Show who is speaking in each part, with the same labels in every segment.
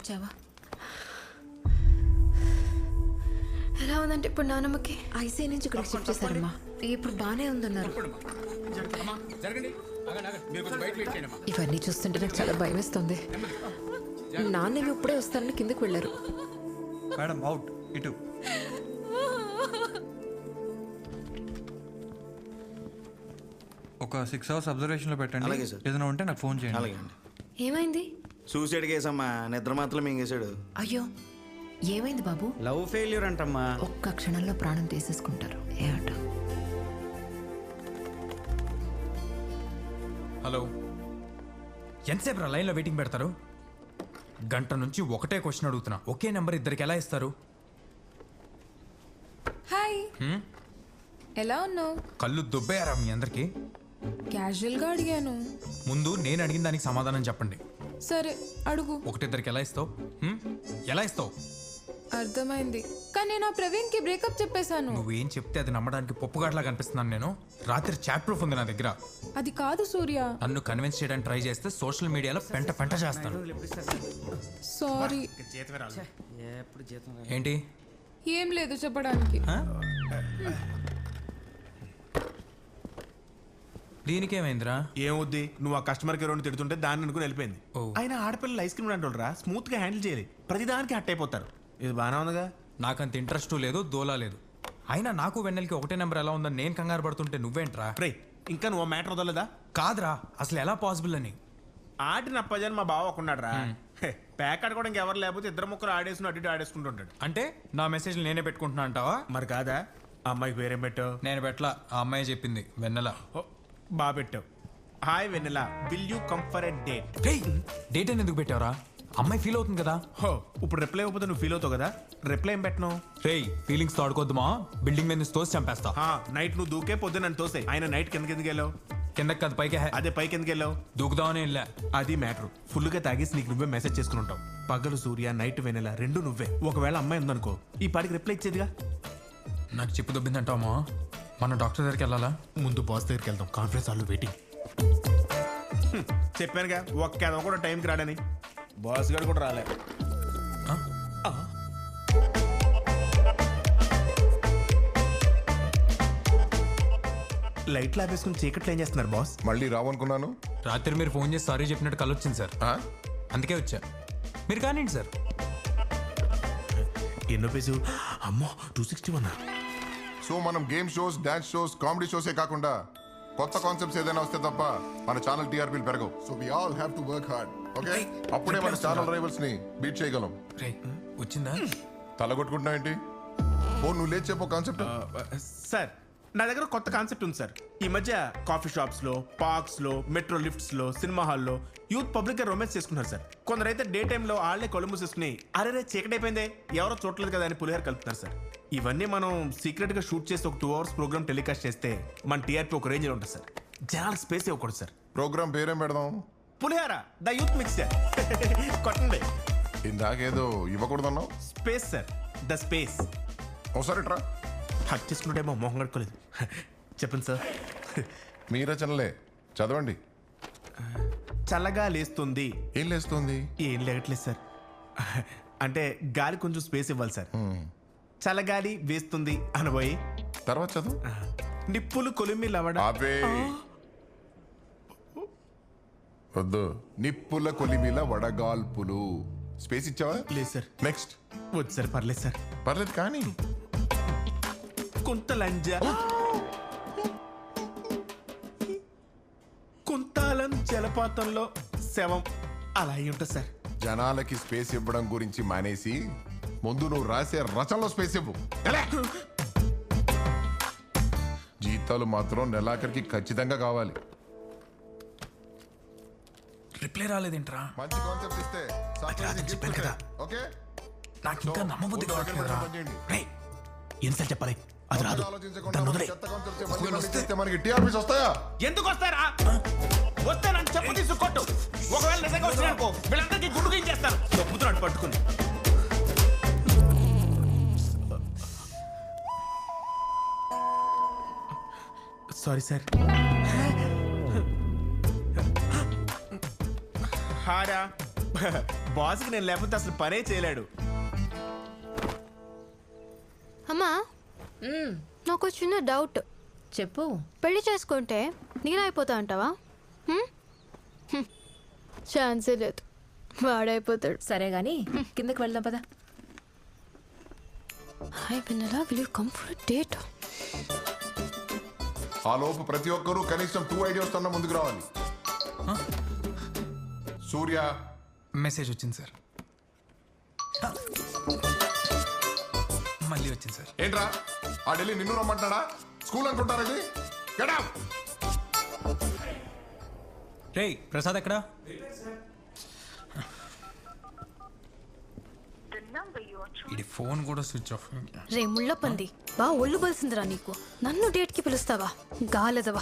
Speaker 1: వచ్చావా? ఎలా ఉందంటే ఇప్పుడు నానమ్మకి? ఐసీఐ నుంచి ఇక్కడికి షిఫ్ట్ చేశారమ్మా. ఇప్పుడు బాగానే ఉందన్నారు. ఇవన్నీ చూస్తుంటే నాకు చాలా భయం వేస్తుంది. నాన్నేమి ఇప్పుడే వస్తారని కిందకి వెళ్ళారు.
Speaker 2: మేడం అవుట్ ఇటు. ఒక 6 hours అబ్జర్వేషన్లో పెట్టండి.
Speaker 3: అలాగే సార్.
Speaker 2: ఏదైనా ఉంటే నాకు ఫోన్ చేయండి.
Speaker 3: అలాగే అండి.
Speaker 1: ఏమైంది?
Speaker 3: సూసైడ్ కేసమ్మా, నిద్ర మాత్రం మింగేశాడు.
Speaker 1: అయ్యో, ఏమైంది బాబు?
Speaker 4: Love failure అంటమ్మా.
Speaker 1: ఒక్క క్షణంలో ప్రాణం తీసేసుకుంటారు. ఏట
Speaker 5: హలో, ఎంతసేపు రా లైన్లో వెయిటింగ్ పెడతారు? గంట నుంచి ఒకటే క్వశ్చన్ అడుగుతున్నా. ఒకే నెంబర్ ఇద్దరికి ఎలా ఇస్తారు?
Speaker 6: హాయ్, ఎలా ఉన్నావు?
Speaker 5: కళ్ళు దుబ్బేయారా మీ అందరికి?
Speaker 6: క్యాజువల్గా అడిగాను.
Speaker 5: ముందు నేను అడిగిన దానికి సమాధానం చెప్పండి.
Speaker 6: సరే అడుగు.
Speaker 5: ఒకటిద్దరికి ఎలా ఇస్తావు? ఎలా ఇస్తావు?
Speaker 6: అర్థమైంది, కానీ నేను ఆ ప్రవీణ్కి బ్రేకప్ చెప్పేశాను.
Speaker 5: నువ్వేం చెప్తే అది నమ్మడానికి పప్పుగాట్లా కనిపిస్తున్నాను నేను. రాత్రి చాట్ ప్రూఫ్ ఉంది నా దగ్గర.
Speaker 6: అది కాదు సూర్య.
Speaker 5: నన్ను కన్విన్స్ చేయడానికి ట్రై చేస్తే సోషల్ మీడియాలో పెంట పెంట చేస్తాను.
Speaker 6: సారీ.
Speaker 4: ఎప్పుడు జీతం
Speaker 5: ఏంటి?
Speaker 6: ఏం లేదు చెప్పడానికి.
Speaker 5: దీనికేమైందిరా?
Speaker 7: ఏమవుద్ది, నువ్వు ఆ కస్టమర్ కేర్ తిడుతుంటే దాన్ని అనుకుని వెళ్ళిపోయింది.
Speaker 5: ఓ.
Speaker 7: ఆయన ఆడపిల్లలు ఐస్ క్రీమ్ అంటారా, స్మూత్ గా హ్యాండిల్ చేయాలి. ప్రతిదానికి హట్ అయిపోతారు. ఇది బాగానే ఉందిగా.
Speaker 5: నాకంత ఇంట్రెస్ట్ లేదు, దోలా లేదు. అయినా నాకు వెన్నెలకి ఒకటే నెంబర్ ఎలా ఉందని నేను కంగారు పడుతుంటే నువ్వేంట్రా?
Speaker 7: రే, ఇంకా నువ్వు మ్యాటర్ వదలదా?
Speaker 5: కాదురా, అసలు ఎలా పాసిబుల్ అని.
Speaker 7: ఆడిన అప్పజాని మా బావ ఒకన్నాడు రా. ప్యాక్ ఆడుకోవడానికి ఎవరు లేకపోతే ఇద్దరు ముక్కలు ఆడేసుకుని అటు ఇటు ఆడేసుకుంటుంటాడు.
Speaker 5: అంటే నా మెసేజ్లు నేనే పెట్టుకుంటున్నా అంటావా?
Speaker 7: మరి కాదా? ఆ అమ్మాయికి వేరేం పెట్టావు?
Speaker 5: నేను పెట్లా, ఆ అమ్మాయి చెప్పింది, వెన్నెల.
Speaker 7: బాగా పెట్టావు. Hi Vennela, will you come for a date?
Speaker 5: Date అని ఎందుకు పెట్టావరా? అమ్మాయి ఫీల్ అవుతుంది కదా.
Speaker 7: హో, ఇప్పుడు రిప్లై ఇవ్వకపోతే నువ్వు ఫీల్ అవుతావు కదా. రిప్లై ఏం పెట్టను?
Speaker 5: రేయ్, ఫీలింగ్స్ తోడుకోద్దుమా, బిల్డింగ్ మీద నుంచి తోసి చంపేస్తా.
Speaker 7: నైట్ నువ్వు దూకే పొద్దు నన్ను తోసే. ఆయన నైట్ కిందకి వెళ్ళావు?
Speaker 5: కిందకి కాదు పైకి.
Speaker 7: అదే పైకి ఎందుకు వెళ్ళావు?
Speaker 5: దూకుదామని వెళ్ళా.
Speaker 7: అది మ్యాటర్. ఫుల్గా తాగేసి నీకు నువ్వే మెసేజ్ చేసుకుని ఉంటావు. పగలు సూర్య, నైట్ వెన్నెల, రెండు నువ్వే. ఒకవేళ అమ్మాయి ఉందనుకో, ఈ పాటికి రిప్లై ఇచ్చేదిగా.
Speaker 5: నాకు చెప్పు దొబ్బిందంటావా? మన డాక్టర్ దగ్గరికి వెళ్ళాలా?
Speaker 7: ముందు బాస్ దగ్గరికి వెళ్దాం, కాన్ఫరెన్స్ హాల్లో వెయిటింగ్. చెప్పానుగా ఒక్క అదొక కూడా టైంకి రాడని. బాస్ గారు కూడా రాలే. లైట్లు ఆపేసుకుని చీకట్లు ఏం చేస్తున్నారు బాస్?
Speaker 8: మళ్ళీ రావనుకున్నాను.
Speaker 5: రాత్రి మీరు ఫోన్ చేసి సారీ చెప్పినట్టు కళ్ళు వచ్చింది సార్, అందుకే వచ్చా. మీరు కానివ్వండి సార్.
Speaker 7: ఎన్నో పేజు? అమ్మో, 261.
Speaker 8: సో మనం game shows, dance shows, comedy షోసే కాకుండా కొత్త కాన్సెప్ట్స్ ఏదైనా వస్తే తప్ప మన ఛానల్ టీఆర్పీలు పెరగవు. So we all have to work hard. Okay, అప్పుడే మన ఛానల్ రైవల్స్ ని బీట్ చేయగలం.
Speaker 5: రే, వచ్చిందా?
Speaker 8: తలగొట్టుకుంటున్నావు ఏంటి? ఓ, నువ్వు లేచి చెప్పు కాన్సెప్ట్.
Speaker 7: సార్, నా దగ్గర కొత్త కాన్సెప్ట్ ఉంది సార్. ఈ మధ్య కాఫీ షాప్స్ లో, పార్క్స్ లో, మెట్రో లిఫ్ట్స్ లో, సినిమా హాల్లో యూత్ పబ్లిక్ గా రొమాన్స్ చేసుకున్నారు సార్. కొందరైతే డే టైంలో ఆళ్లే కళ్ళు మూసేసుకుని అరే చీకటైపోయిందే ఎవరో చూడలేదు కదా అని పులిహార కలుపుతున్నారు సార్. ఇవన్నీ మనం సీక్రెట్ గా షూట్ చేసి ఒక 2 hours ప్రోగ్రామ్ టెలికాస్ట్ చేస్తే మన టీఆర్పీ ఒక రేంజ్ లో ఉంటుంది సార్. జనాలకు స్పేస్ ఇవ్వకూడదు సార్.
Speaker 8: ప్రోగ్రామ్ పేరేం పెడదాం?
Speaker 7: Pulihora the youth mixture. కొట్టండి.
Speaker 8: ఇందాకేదో ఇవ్వకూడదన్నావు.
Speaker 7: Space sir, the space.
Speaker 8: ఒకసారి ట్రా.
Speaker 7: హక్ చేసుకుంటేమో మొహం కట్టుకోలేదు. చెప్పండి సార్.
Speaker 8: మీ రచనలే చదవండి.
Speaker 7: చల్లగా లేస్తుంది.
Speaker 8: ఏం లేస్తుంది?
Speaker 7: ఏం లేగట్లేదు సార్. అంటే గాలి కొంచెం స్పేస్ ఇవ్వాలి సార్. చల్లగాలి వేస్తుంది అనబోయి
Speaker 8: తర్వాత చదువు.
Speaker 7: నిప్పులు కొలిమి లవడ.
Speaker 8: ఆపే. వద్దు. నిప్పుల కొలిమిల వడగాల్పులు. స్పేస్ ఇచ్చావా?
Speaker 7: లేదు సార్.
Speaker 8: నెక్స్ట్.
Speaker 7: వద్దు సార్, పర్లేదు సార్.
Speaker 8: పర్లేదు కానీ.
Speaker 7: కొంత లంజ. కుంతాలం జలపాతంలో శవం అలా అయి ఉంటుంది సార్.
Speaker 8: జనాలకి స్పేస్ ఇవ్వడం గురించి మానేసి ముందు నువ్వు రాసే రచనలో స్పేస్ ఇవ్వు. జీతాలు మాత్రం నెలాఖరికి ఖచ్చితంగా కావాలి.
Speaker 5: రిప్లై రాలేదేంట్రా?
Speaker 8: మంచి కాన్సెప్ట్ ఇస్తే
Speaker 5: చెప్పాను కదా.
Speaker 8: ఓకే,
Speaker 5: నాకు ఇంకా నమ్మబుద్ధి కావట్లేదురా. రేయ్, ఎన్నిసార్లు చెప్పాలి? అది రాదు. దాన్ని వదిలేయ్.
Speaker 8: మనకి టీఆర్పీస్ వస్తాయా?
Speaker 7: ఎందుకు వస్తారా? వస్తే నన్ను చెప్పు తీసుకొట్టు. ఒకవేళ నిజంగా వచ్చినానుకో వీళ్ళందరికీ గుడ్డు గించేస్తాను. చెప్పుతున్నాడు పట్టుకుని. Sorry sir. హారా బాస్కి నేను లేకపోతే అసలు పనే చేయలేడు.
Speaker 9: అమ్మా నాకు చిన్న డౌట్.
Speaker 1: చెప్పు.
Speaker 9: పెళ్లి చేసుకుంటే నేనైపోతా అంటావా? ఛాన్సే లేదు, వాడైపోతాడు.
Speaker 1: సరే గాని కిందకి వెళ్దాం పదా.
Speaker 9: హాయ్ వెన్నెలా, will you come for date?
Speaker 8: ఆ లోపు ప్రతి ఒక్కరూ కనీసం 2 ఐడియాస్ తోనే ముందుకు రావాలి. సూర్య
Speaker 5: మెసేజ్ వచ్చింది సార్. మళ్ళీ వచ్చింది సార్.
Speaker 8: ఏంట్రా ఆ ఢిల్లీ నిన్ను రమ్మంటాడా? స్కూల్ అనుకుంటారా ఇది? Get out!
Speaker 5: రేయ్ ప్రసాద్ ఎక్కడా? ఇది ఫోన్ కూడా స్విచ్ ఆఫ్.
Speaker 9: రే ముళ్ళ పంది, బా ఒళ్ళు బలిసిందిరా నీకు. నన్ను డేట్కి పిలుస్తావా గాలదవా?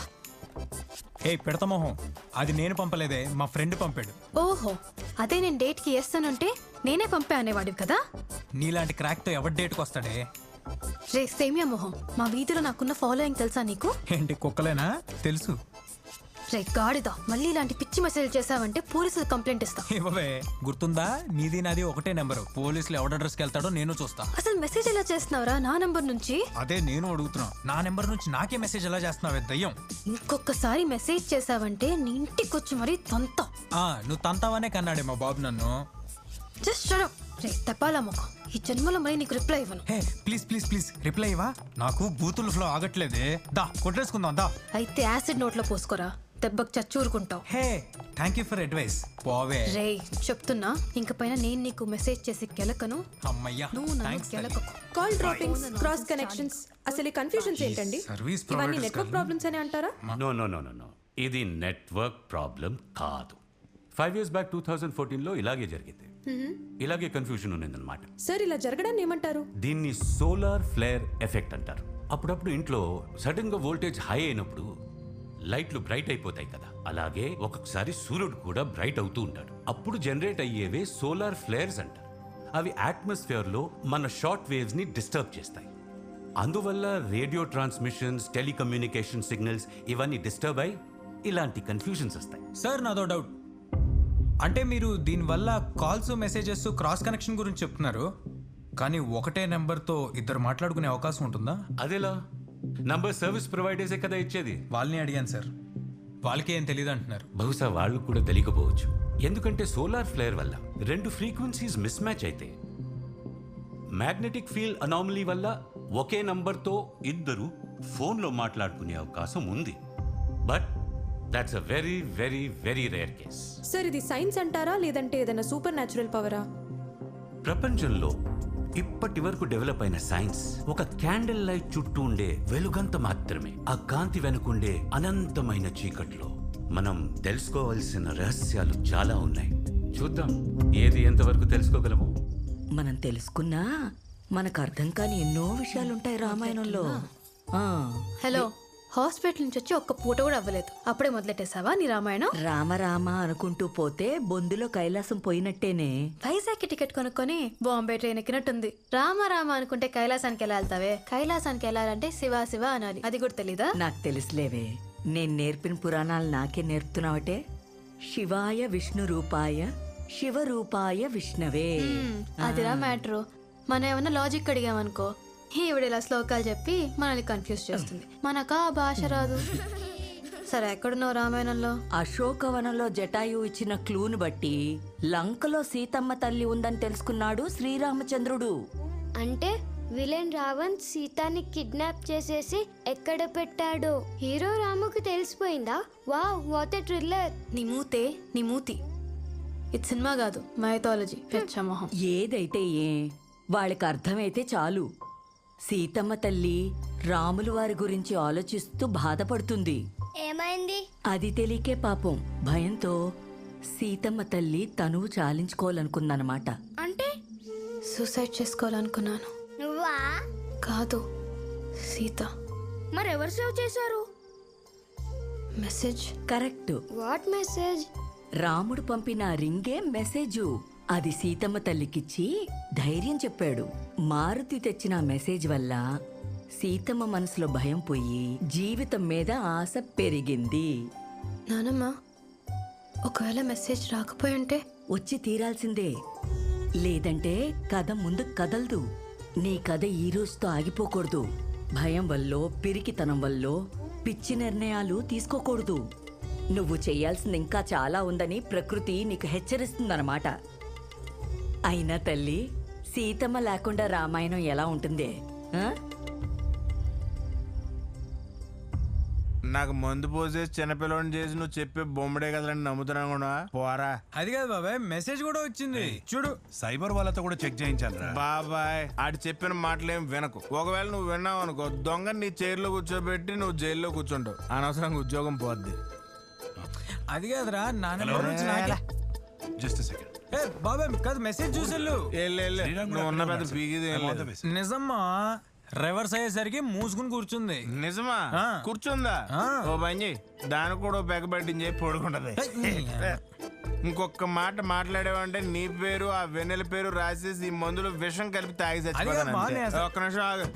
Speaker 5: ఏ పెడతా మొహం, అది నేను పంపలేదే, మా ఫ్రెండ్ పంపాడు.
Speaker 9: ఓహో, అదే నేను డేట్కి వేస్తానంటే నేనే పంపే అనేవాడివి కదా.
Speaker 5: నీలాంటి క్రాక్తో ఎవరి డేట్కి వస్తాడే?
Speaker 9: రే సేమియా మొహం, మా వీధిలో నాకున్న ఫాలోయింగ్ తెలుసా నీకు?
Speaker 5: ఏంటి కుక్కలేనా? తెలుసు.
Speaker 9: రే గాడిదా, మళ్ళీ ఇలాంటి పిచ్చి మెసేజ్ చేసావంటే పోలీసులు కంప్లైంట్ ఇస్తా.
Speaker 5: ఇవ్వవే, గుర్తుందా? నీది నాది ఒకటే నెంబరు. పోలీసులు ఎవడ అడ్రస్కి వెళ్తాడో నేను చూస్తా.
Speaker 9: అసలు మెసేజ్ ఎలా చేస్తున్నావురా నా నంబర్ నుంచి?
Speaker 5: అదే నేను అడుగుతున్నా, నా నెంబర్ నుంచి నాకే మెసేజ్ ఎలా చేస్తున్నావే దయ్యం?
Speaker 9: ఇంకొకసారి మెసేజ్ చేసావంటే నీ ఇంటికి వచ్చి మరీ తంతా.
Speaker 5: నువ్వు తంతావనే కన్నాడే మా బాబు నన్ను.
Speaker 9: Just shut up. రే తపాలా ముఖం, ఈ జన్మలో మరి నీకు రిప్లై ఇవ్వను.
Speaker 5: Hey please please please reply ఇవ్వా. నాకు బూతుల ఫ్లో ఆగట్లేదే. దా కొట్టేసుకుందాం దా.
Speaker 9: అయితే యాసిడ్ నోట్లో పోసుకోరా, దెబ్బకు చచ్చూరుకుంటావు.
Speaker 5: Hey thank you for advice. పోవే.
Speaker 9: రే చెప్తున్నా, ఇంక పైన నేను నీకు మెసేజ్ చేసి కెలకను.
Speaker 5: అమ్మయ్యా
Speaker 9: నువ్వు నన్ను
Speaker 5: థ్యాంక్స్.
Speaker 9: కెలకకు.
Speaker 1: కాల్ డ్రాపింగ్స్, క్రాస్ కనెక్షన్స్, అసలు ఈ కన్ఫ్యూజన్స్ ఏంటండి?
Speaker 5: సర్వీస్
Speaker 1: ఇవన్నీ
Speaker 5: ప్రొవైడర్స్
Speaker 1: నెట్వర్క్ ప్రాబ్లమ్స్ అని అంటారా?
Speaker 10: No no no no no ఇది నెట్వర్క్ ప్రాబ్లం కాదు. 5 years బ్యాక్ 2014లో ఇలాగే జరిగింది. ఇలాగే కన్ఫ్యూజన్ ఉన్నదన్నమాట.
Speaker 1: సార్ ఇలా జరగడాన్ని ఏమంటారు?
Speaker 10: దీన్ని సోలార్ ఫ్లేర్ ఎఫెక్ట్ అంటారు. అప్పుడప్పుడు ఇంట్లో సడన్ గా వోల్టేజ్ హై అయినప్పుడు లైట్లు బ్రైట్ అయిపోతాయి కదా, అలాగే ఒక్కొక్కసారి సూర్యుడు కూడా బ్రైట్ అవుతూ ఉంటాడు. అప్పుడు జనరేట్ అయ్యేవే సోలార్ ఫ్లేర్స్ అంటారు. అవి అట్మాస్ఫియర్ లో మన షార్ట్ వేవ్స్ ని డిస్టర్బ్ చేస్తాయి. అందువల్ల రేడియో ట్రాన్స్మిషన్స్, టెలికమ్యూనికేషన్ సిగ్నల్స్ ఇవన్నీ డిస్టర్బ్ అయి ఇలాంటి కన్ఫ్యూజన్స్ వస్తాయి.
Speaker 5: సార్ నాదో డౌట్. అంటే మీరు దీనివల్ల కాల్స్ మెసేజెస్ క్రాస్ కనెక్షన్ గురించి చెప్తున్నారు, కానీ ఒకటే నెంబర్తో ఇద్దరు మాట్లాడుకునే అవకాశం ఉంటుందా?
Speaker 10: అదేలా? నంబర్ సర్వీస్ ప్రొవైడర్సే కదా ఇచ్చేది.
Speaker 5: వాళ్ళని అడిగాను సార్, వాళ్ళకి ఏం తెలియదు అంటున్నారు.
Speaker 10: బహుశా వాళ్ళు కూడా తెలియకపోవచ్చు. ఎందుకంటే సోలార్ ఫ్లేర్ వల్ల 2 ఫ్రీక్వెన్సీస్ మిస్ మ్యాచ్ అయితే మ్యాగ్నెటిక్ ఫీల్డ్ అనామలీ వల్ల ఒకే నంబర్తో ఇద్దరు ఫోన్లో మాట్లాడుకునే అవకాశం ఉంది. But that's a very very very rare case.
Speaker 1: Sir ఇది సైన్స్ అంటారా లేదంటే ఏదైనా సూపర్ న్యాచురల్ పవరా?
Speaker 10: ప్రపంచంలో ఇప్పటి వరకు డెవలప్ అయిన సైన్స్ ఒక క్యాండిల్ లైట్ చుట్టూ ఉండే వెలుగంత మాత్రమే. ఆ కాంతి వెనుకుండే అనంతమైన చీకట్లో మనం తెలుసుకోవాల్సిన రహస్యాలు చాలా ఉన్నాయి. చూద్దాం ఏది ఎంతవరకు తెలుసుకోగలము.
Speaker 11: మనం తెలుసుకున్నా మనకు అర్థం కాని ఎన్నో విషయాలుంటాయి రామాయణంలో.
Speaker 9: హలో, హాస్పిటల్ నుంచి వచ్చి ఒక్క పూట కూడా అవ్వలేదు, అప్పుడే మొదలెట్టేసావా నీ రామాయణం?
Speaker 11: రామ రామ అనుకుంటూ పోతే బొందులో కైలాసం పోయినట్టేనే.
Speaker 9: వైజాగ్కి టికెట్ కొనుక్కొని బాంబే ట్రైన్ ఎక్కినట్టుంది. రామ రామ అనుకుంటే కైలాసానికి ఎలా వెళ్తావే? కైలాసానికి వెళ్ళాలంటే శివ శివ అనాలి, అది కూడా తెలీదా?
Speaker 11: నాకు తెలుసులేవే, నేను నేర్పిన పురాణాలు నాకే నేర్పుతున్నావటే. శివాయ విష్ణు రూపాయ శివ రూపాయ విష్ణవే.
Speaker 9: అదిరా మ్యాటరు. మనం ఏమన్నా లాజిక్ అడిగామనుకో, ఈవిడ ఇలా శ్లోకాలు చెప్పి మనల్ని కన్ఫ్యూజ్ చేస్తుంది. మనకా ఆ భాష రాదు. సరే ఎక్కడున్నావు రామాయణంలో?
Speaker 11: అశోకవనంలో జటాయు ఇచ్చిన క్లూను బట్టి లంకలో సీతమ్మ తల్లి ఉందని తెలుసుకున్నాడు శ్రీరామచంద్రుడు.
Speaker 12: అంటే విలన్ రావణ్ సీతాని కిడ్నాప్ చేసేసి ఎక్కడ పెట్టాడో హీరో రాముకి తెలిసిపోయిందా? Wow, what a thriller.
Speaker 9: నీ మూతి. ఇది సినిమా కాదు, మైథాలజీ. పెచ్చమోహం.
Speaker 11: ఏదైతే ఏ వాళ్ళకి అర్థమైతే చాలు. సీతమ్మ తల్లి రాములు వారి గురించి ఆలోచిస్తూ బాధపడుతుంది.
Speaker 12: ఏమైంది?
Speaker 11: అది తెలియకే పాపం భయంతో సీతమ్మ తల్లి తనువు చాలించుకోవాలనుకుందనమాట.
Speaker 12: అంటే
Speaker 9: సూసైడ్ చేసుకోవాలనుకున్నాను.
Speaker 12: నువ్వా?
Speaker 9: కాదు, సీత.
Speaker 12: మరెవరు సేవ్ చేశారు?
Speaker 9: మెసేజ్.
Speaker 11: కరెక్ట్.
Speaker 12: What message?
Speaker 11: రాముడు పంపిన రింగే మెసేజు. అది సీతమ్మ తల్లికిచ్చి ధైర్యం చెప్పాడు. మారుతి తెచ్చిన మెసేజ్ వల్ల సీతమ్మ మనసులో భయం పోయి జీవితం మీద ఆశ పెరిగింది.
Speaker 9: నానమ్మ, ఒకవేళ మెసేజ్ రాకపోయి ఉంటే
Speaker 11: వచ్చి తీరాల్సిందే. లేదంటే కథ ముందు కదలదు. నీ కథ ఈ రోజుతో ఆగిపోకూడదు. భయం వల్లో పిరికితనం వల్లో పిచ్చి నిర్ణయాలు తీసుకోకూడదు. నువ్వు చెయ్యాల్సింది ఇంకా చాలా ఉందని ప్రకృతి నీకు హెచ్చరిస్తుందన్నమాట. అయినా తల్లి, సీతమ్మ లేకుండా రామాయణం ఎలా ఉంటుంది? ఆ?
Speaker 7: నాకు మందు పోసేసి చిన్నపిల్లని చేసి నువ్వు చెప్పే బొమ్మడే కదండి నమ్ముతున్నా కూడా పోరా.
Speaker 5: అది కాదు బాబాయ్, మెసేజ్ కూడా వచ్చింది చూడు.
Speaker 13: సైబర్ వాళ్ళతో కూడా చెక్ చేయించాలి.
Speaker 7: బాబాయ్ ఆడు చెప్పిన మాటలేం వినకు. ఒకవేళ నువ్వు విన్నావు అనుకో, దొంగ నీ చైర్లో కూర్చోబెట్టి నువ్వు జైల్లో కూర్చుంటావు. అనవసరంగా ఉద్యోగం పోద్ది.
Speaker 5: అది కాదురా, నాన్న
Speaker 13: జస్ట్ సెకండ్.
Speaker 5: ఏ బాబాయ్ కాదు, మెసేజ్ చూసేళ్ళు.
Speaker 7: నువ్వు ఉన్న పెద్ద పీకిది
Speaker 5: నిజమ్మా, రివర్స్ అయ్యేసరికి మూసుకుని కూర్చుంది.
Speaker 7: నిజమా? కూర్చుందా? ఓ పని చేయి, దానికి కూడా పెగ పట్టించి పడుకుంటది. ఇంకొక మాట మాట్లాడేవంటే నీ పేరు ఆ వెన్నెల పేరు రాసేసి ఈ మందులో విషం కలిపి తాగి చచ్చిపోతాను. ఒక్క నిమిషం ఆగు.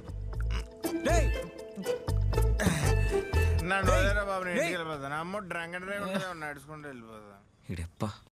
Speaker 7: నన్ను వదిలేరా బాబు, నేను ఇంటికి వెళ్ళిపోతాను. అమ్మ డ్రంక్ అండ్ డ్రైవ్ నడుచుకుంటూ వెళ్ళిపోతాను.